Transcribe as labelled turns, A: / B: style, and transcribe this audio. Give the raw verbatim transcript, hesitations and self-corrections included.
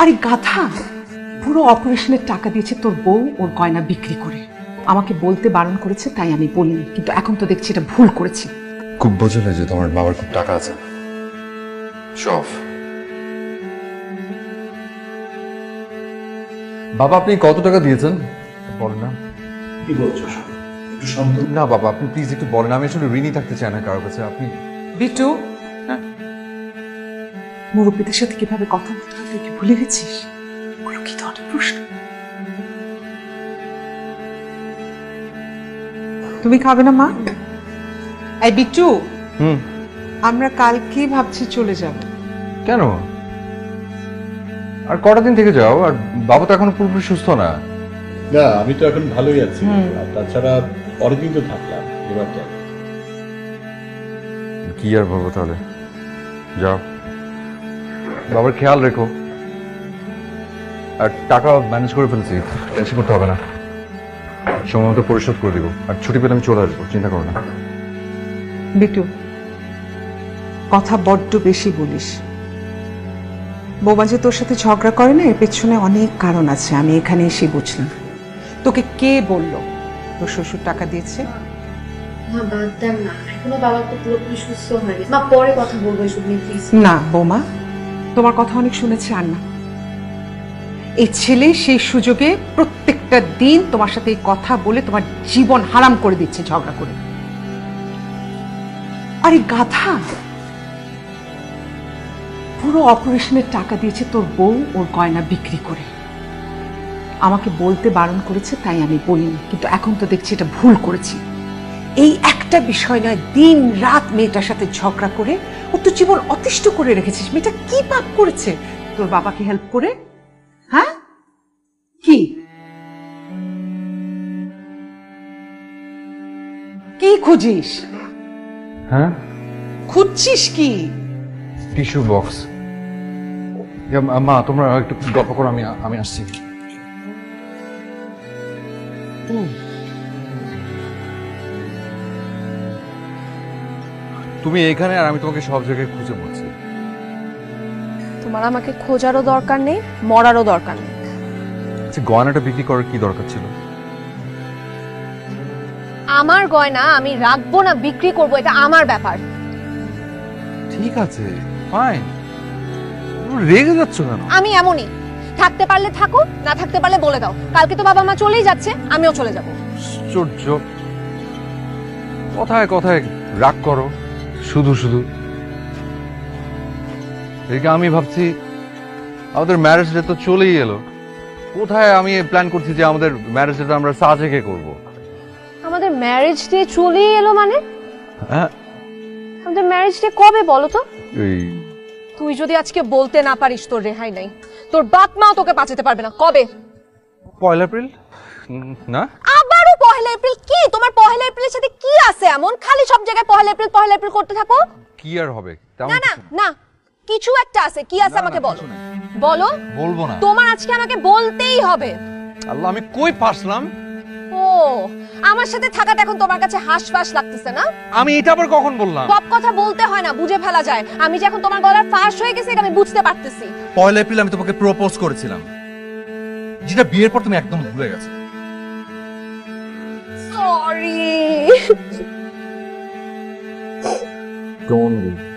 A: আরে গাধা, পুরো অপারেশনের টাকা দিয়েছে তোর বউ ওর গয়না বিক্রি করে। আমাকে বলতে বারণ করেছে তাই আমি বলিনি, কিন্তু এখন তো দেখছি এটা ভুল করেছি।
B: খুব বোঝালে যে তোমার বাবার খুব টাকা আছে। শফ বাবা, আপনি কত টাকা দিয়েছেন বলেন না।
C: কি বলছো? একটু শান্ত।
B: না বাবা, আপনি প্লিজ একটু বলেন। আমি আসলে ঋণী থাকতে চাই না কারোর কাছে। আপনি
A: বিট্টু,
B: হ্যাঁ
A: মুরব্বীদের সাথে কিভাবে কথা বলতে হয় তুই কি ভুলে গেছিস? ওগুলো কি ধরনের প্রশ্ন? তুমি খাবে না মা? এই বিট্টু,
B: হুম
A: আমরা কালকে ভাবছি চলে যাব।
B: কেন? আর কটা দিন থেকে যাও। আর বাবা তো এখন পুরোপুরি সুস্থ না।
C: না, আমি তো এখন ভালোই আছি। আর তাছাড়া অনেকদিন তো থাকলাম, এবার যাই।
B: কি আর বলবো তাহলে, যাও। বাবার খেয়াল রেখো। আর টাকা ম্যানেজ করে ফেলছি, টেনশন করতে হবে না। সময় মতো পরিশোধ করে দিব। আর ছুটি পেলে আমি চলে আসবো, চিন্তা করো না।
A: বিট্টু, কথা বড্ড বেশি বলিস। বৌমা যে তোর সাথে ঝগড়া করে না, এর পেছনে অনেক কারণ আছে। আমি এখানে এসে বুঝলাম। তোকে কে বললো তোর শ্বশুর টাকা দিয়েছে?
D: মা বাদ দেন না, এখনো বাবা তো পুরোপুরি সুস্থ হয়নি। মা পরে কথা বলবো এসব নিয়ে প্লিজ।
A: না বৌমা, তোমার কথা অনেক শুনেছি। আর না, এই ছেলে সেই সুযোগে প্রত্যেকটা দিন তোমার সাথে এই কথা বলে তোমার জীবন হারাম করে দিচ্ছে ঝগড়া করে। আরে গাধা, পুরো অপারেশনের টাকা দিয়েছে তোর বউ ওর গয়না বিক্রি করে। আমাকে বলতে বারণ করেছে তাই আমি বলিনি, কিন্তু এখন তো দেখছি এটা ভুল করেছি। এই একটা বিষয় নয়, দিন রাত মেয়েটার সাথে ঝগড়া করে ও তো জীবন অতিষ্ঠ করে রেখেছিস। মেয়েটা কি পাপ করেছে তোর বাবাকে হেল্প করে? হ্যাঁ, কি কি খুঁজিস?
B: হ্যাঁ,
A: খুঁজছিস কি?
B: Tissue box. মা, তোমরা একটু গল্প করো, আমি আমি আসছি। তুমি এখানে, আর আমি তোমাকে সব জায়গায় খুঁজে বলছি।
E: তোমার আমাকে খোঁজারও দরকার নেই, মরারও দরকার নেই।
B: আচ্ছা, গয়নাটা বিক্রি করার কি দরকার ছিল?
E: আমার গয়না আমি রাখবো না বিক্রি করব, এটা আমার ব্যাপার।
B: ঠিক আছে, ফাইন। রেগে যাচ্ছ কেন?
E: আমি এমনই, থাকতে পারলে থাকো, না থাকতে পারলে বলে দাও। কালকে তো বাবা মা চলেই যাচ্ছে, আমিও চলে যাব।
B: আশ্চর্য, কথায় কথায় রাগ করো শুধু শুধু। এদিকে আমি ভাবছি আমাদের ম্যারেজ ডে তো চলেই এলো। কোথায় আমি প্ল্যান করছি যে আমাদের ম্যারেজ ডেটা আমরা সাজেকে করব।
E: আমাদের ম্যারেজ ডে চলেই এলো মানে?
B: হ্যাঁ,
E: আমাদের ম্যারেজ ডে কবে বলো তো?
B: এই
E: তুই যদি আজকে বলতে না পারিস তোর রেহাই নাই, তোর বাপ মাও তোকে বাঁচাতে পারবে না। কবে?
B: পয়লা এপ্রিল না?
E: আবারও পহেলা এপ্রিল? কি তোমার পহেলা এপ্রিলের সাথে কি আছে এমন? খালি সব জায়গায় পহেলা এপ্রিল পহেলা এপ্রিল করতে থাকো।
B: কি আর হবে? তেমন
E: না না
B: কিছু
E: না, কিছু একটা আছে। কি আছে
B: না, না,
E: আমাকে বলো,
B: কিছু নাই।
E: বলো।
B: বলবো না।
E: তোমার আজকে আমাকে বলতেই হবে।
B: আল্লাহ, আমি কই পারলাম?
E: ও, আমার সাথে থাকাটা এখন তোমার কাছে হাসফাস লাগতেছে না?
B: আমি এটা আবার কখন বললাম?
E: সব কথা বলতে হয় না, বুঝে ফেলা যায়। আমি যে এখন তোমার গলার ফাঁস হয়ে গেছে এটা আমি বুঝতে পারতেছি।
F: পয়লা এপ্রিল আমি তোমাকে প্রপোজ করেছিলাম, যেটা বিয়ের পর তুমি একদম ভুলে গেছো।
E: সরি।
B: ডোন্ট